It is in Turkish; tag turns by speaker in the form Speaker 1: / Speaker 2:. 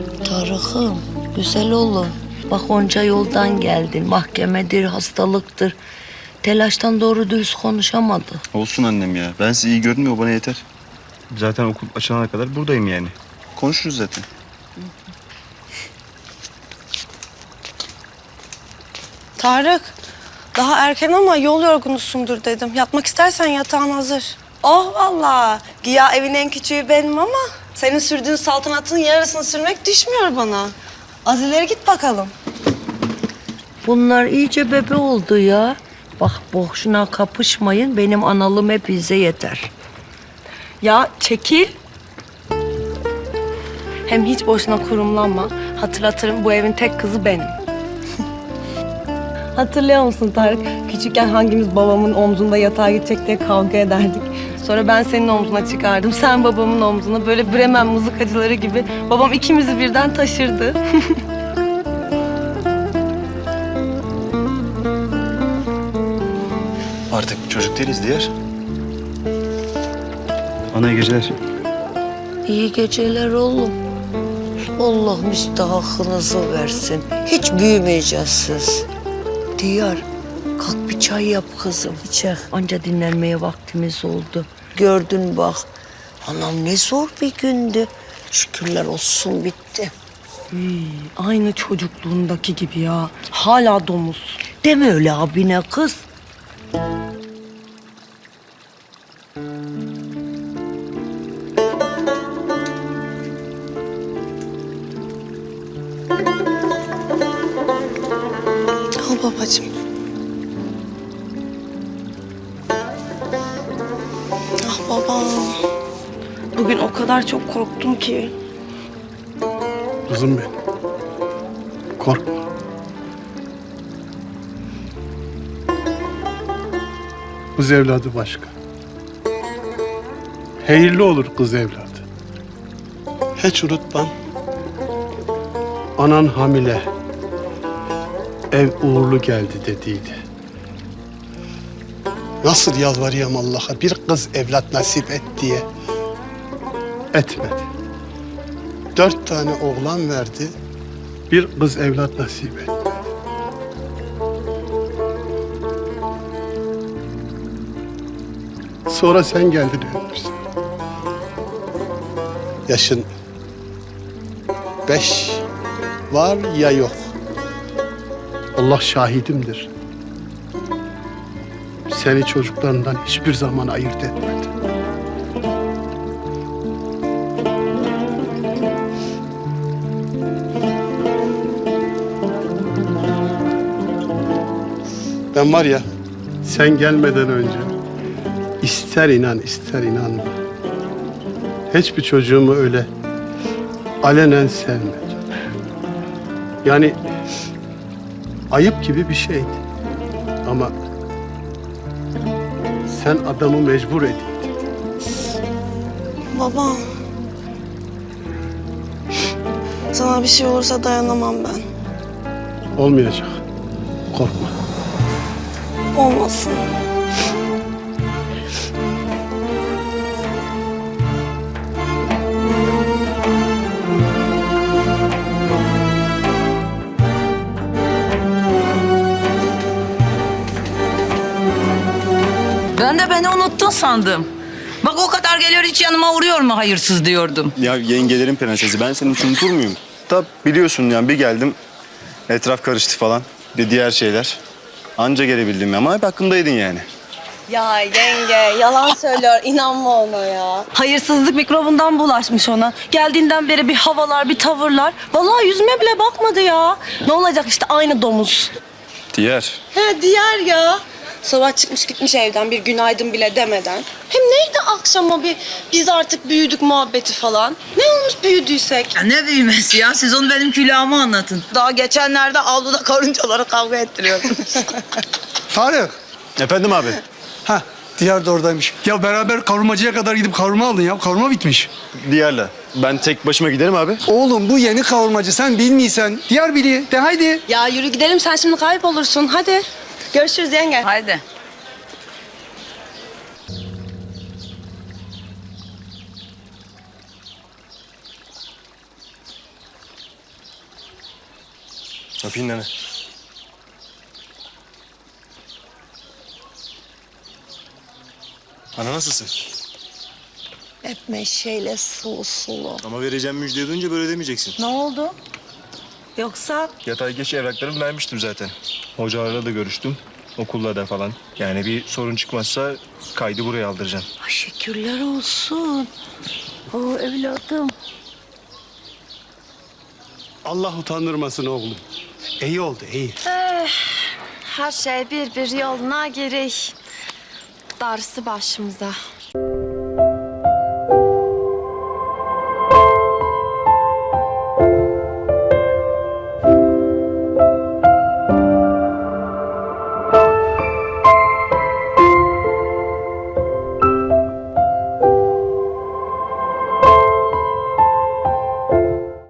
Speaker 1: Tarık'ım, güzel oğlum. Bak onca yoldan geldin. Mahkemedir, hastalıktır. Telaştan doğru dürüst konuşamadı.
Speaker 2: Olsun annem ya. Ben sizi iyi gördüm ya, o bana yeter.
Speaker 3: Zaten okul açılana kadar buradayım yani.
Speaker 2: Konuşuruz zaten.
Speaker 4: Tarık, daha erken ama yol yorgunusundur dedim. Yatmak istersen yatağın hazır. Oh vallahi. Güya evin en küçüğü benim ama senin sürdüğün saltanatın yarısını sürmek düşmüyor bana. Az ileri git bakalım.
Speaker 1: Bunlar iyice bebe oldu ya. Bak boşuna kapışmayın. Benim analım hepinize yeter.
Speaker 4: Ya çekil. Hem hiç boşuna kurumlanma. Hatırlatırım, bu evin tek kızı benim. Hatırlıyor musun Tarık? Küçükken hangimiz babamın omzunda yatağa gidecek diye kavga ederdik. Sonra ben senin omzuna çıkardım, sen babamın omzuna. Böyle Bremen mızıkacıları gibi babam ikimizi birden taşırdı.
Speaker 2: Artık çocuk değiliz Diyar.
Speaker 3: Ana iyi geceler.
Speaker 1: İyi geceler oğlum. Allah müstahakınızı versin. Hiç büyümeyeceğiz siz. Diyar, kalk bir çay yap kızım. İçer. Anca dinlenmeye vaktimiz oldu. Gördün bak. Anam ne zor bir gündü. Şükürler olsun bitti.
Speaker 4: Aynı çocukluğundaki gibi ya. Hala domuz.
Speaker 1: Deme öyle abine kız.
Speaker 4: Al babacığım. Ah babam. Bugün o kadar çok korktum ki.
Speaker 5: Kızım benim. Korkma. Kız evladı başka. Hayırlı olur kız evladı. Hiç unutmam. Anan hamile. Ev uğurlu geldi dediydi. Nasıl yalvarıyorum Allah'a bir kız evlat nasip et diye. Etmedi. 4 tane oğlan verdi. Bir kız evlat nasip etmedi. Sonra sen geldin ölmüşsün. Yaşın 5 var ya yok. Allah şahidimdir. Seni çocuklarından hiçbir zaman ayırt etmedi. Ben var ya, sen gelmeden önce ister inan ister inanma. Hiçbir çocuğumu öyle alenen sevmedim. Yani ayıp gibi bir şeydi. Ama sen adamı mecbur ediydin.
Speaker 4: Baba. Sana bir şey olursa dayanamam ben.
Speaker 5: Olmayacak. Korkma.
Speaker 4: Olmasın.
Speaker 6: Ben de beni unuttun sandım. Bak o kadar geliyor hiç yanıma uğruyor mu hayırsız diyordum.
Speaker 2: Ya yengelerin prensesi, ben seni hiç unutur muyum? Tabi biliyorsun yani, bir geldim etraf karıştı falan. Diğer şeyler. Anca gelebildim ama hep hakkındaydın yani.
Speaker 4: Ya yenge yalan söylüyor, inanma ona ya. Hayırsızlık mikrobundan bulaşmış ona. Geldiğinden beri bir havalar, bir tavırlar. Vallahi yüzüme bile bakmadı ya. Ne olacak işte aynı domuz.
Speaker 2: Diğer.
Speaker 4: He diğer ya. Sabah çıkmış gitmiş evden bir günaydın bile demeden. Hem neydi akşama bir biz artık büyüdük muhabbeti falan. Ne olmuş büyüdüysek?
Speaker 6: Ya ne büyümesi ya, siz onu benim külahıma anlatın. Daha geçenlerde avluda karıncalara kavga ettiriyordunuz.
Speaker 7: Tarık.
Speaker 2: Efendim abi.
Speaker 7: Ha, Diyar da oradaymış. Ya beraber kavurmacıya kadar gidip kavurma aldın ya. Kavurma bitmiş.
Speaker 2: Diğerle. Ben tek başıma giderim abi.
Speaker 7: Oğlum bu yeni kavurmacı. Sen bilmiyorsan. Diyar biliyor. De haydi.
Speaker 4: Ya yürü gidelim sen şimdi kaybolursun hadi. Görüşürüz yenge.
Speaker 6: Haydi.
Speaker 2: Öpeyim nene. Ana nasılsın?
Speaker 1: Hep meşeyle sulu sulu.
Speaker 2: Ama vereceğim müjdeyi duyunca böyle demeyeceksin.
Speaker 1: Ne oldu? Yoksa
Speaker 2: Yatay geç evraklarımı vermiştim zaten. Hocalarla da görüştüm. Okulla da falan. Yani bir sorun çıkmazsa kaydı buraya aldıracağım.
Speaker 1: ay şükürler olsun. O evladım.
Speaker 5: Allah utandırmasın oğlum. İyi oldu, iyi.
Speaker 8: Her şey bir yoluna gerek. Darısı başımıza.